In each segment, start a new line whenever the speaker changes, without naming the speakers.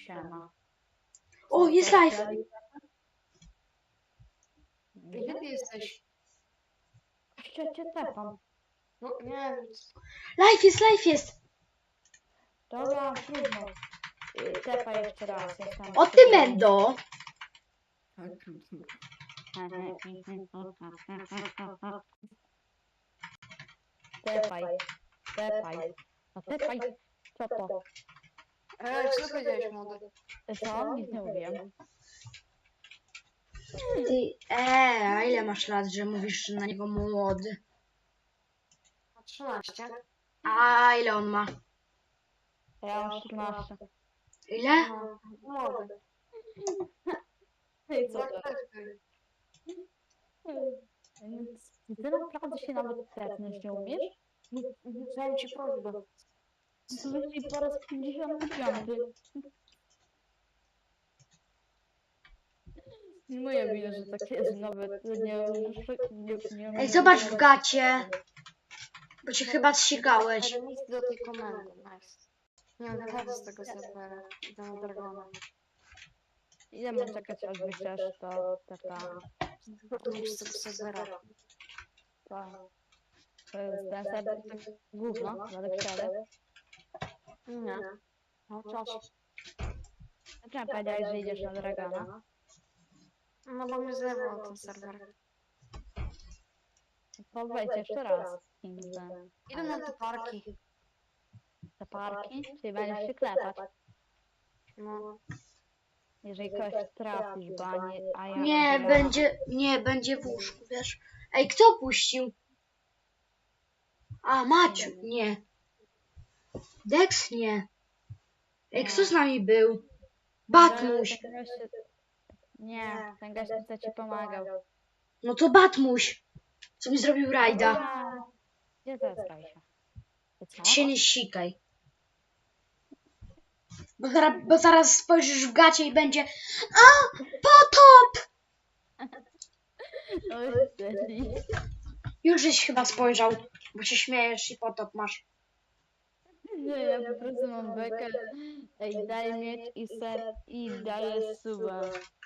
Siema.
O, jest live!
Gdzie ty jesteś?
Jeszcze cię tepam.
No nie wiem.
Live jest!
Dobra, trudno. Tepaj jeszcze raz. Jestem
O ty Mendo!
Tepaj. Tepaj. No tepaj. Co to?
Co powiedziałeś, młody?
Co? Nic nie mówiłem.
Ty, a ile masz lat, że mówisz na niego młody?
13.
A ile on ma?
Ja mam 14.
Ile?
No, młody.
I co
Tak,
to?
tak.
Ty naprawdę się nawet tepnąć nie umiesz?
Chciałem ci prośbę.
Słyszeli po raz 55. Nie moja wina, że tak jest, nawet nie
Ej, zobacz w gacie, bo cię chyba zsikałeś.
Remis do tej komendy, nice. Nie wiem, wychodzę z tego serwera. Idę na Dragona.
Ile mam czekać, aż wyślesz to taka...
Wychodzę z tego serwera.
To jest ten serwer, tak gówno, ale wsiadę.
Nie. Mam czas.
Dlaczego powiedziałeś, że idziesz na Dragona?
No bo mnie zerwał ten serwer.
To wejdź jeszcze raz. Kingdom.
Idę na te parki.
Te parki? Czyli będziesz się klepać.
No.
Jeżeli kogoś trafisz, bo a ja...
Nie, będzie w łóżku, wiesz. Ej, kto puścił? A, Maciu, nie. Dex, nie. Ej, kto z nami był? Batmuś.
Nie, ten gość chce ci pomagał.
No to Batmuś. Co mi zrobił rajda?
Gdzie to jest Kajsia?
Ty się nie sikaj. Bo zaraz spojrzysz w gacie i będzie a, potop!
No
Już żeś chyba spojrzał, bo się śmiejesz i potop masz.
nie, ja po prostu mam bekę. Ej, daj miecz i daję suba.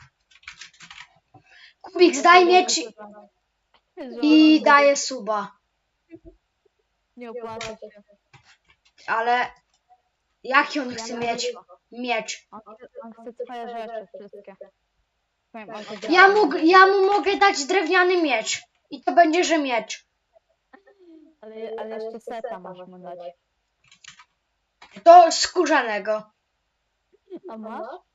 Kubik, daj miecz i daje suba.
Nie opłaca się.
Ale jaki on chce mieć? Miecz.
On chce twoje rzeczy wszystkie. Powiem, on to
Ja mu mogę dać drewniany miecz. I to będzie, że miecz.
ale jeszcze seta masz mu dać.
Do skórzanego.
A masz?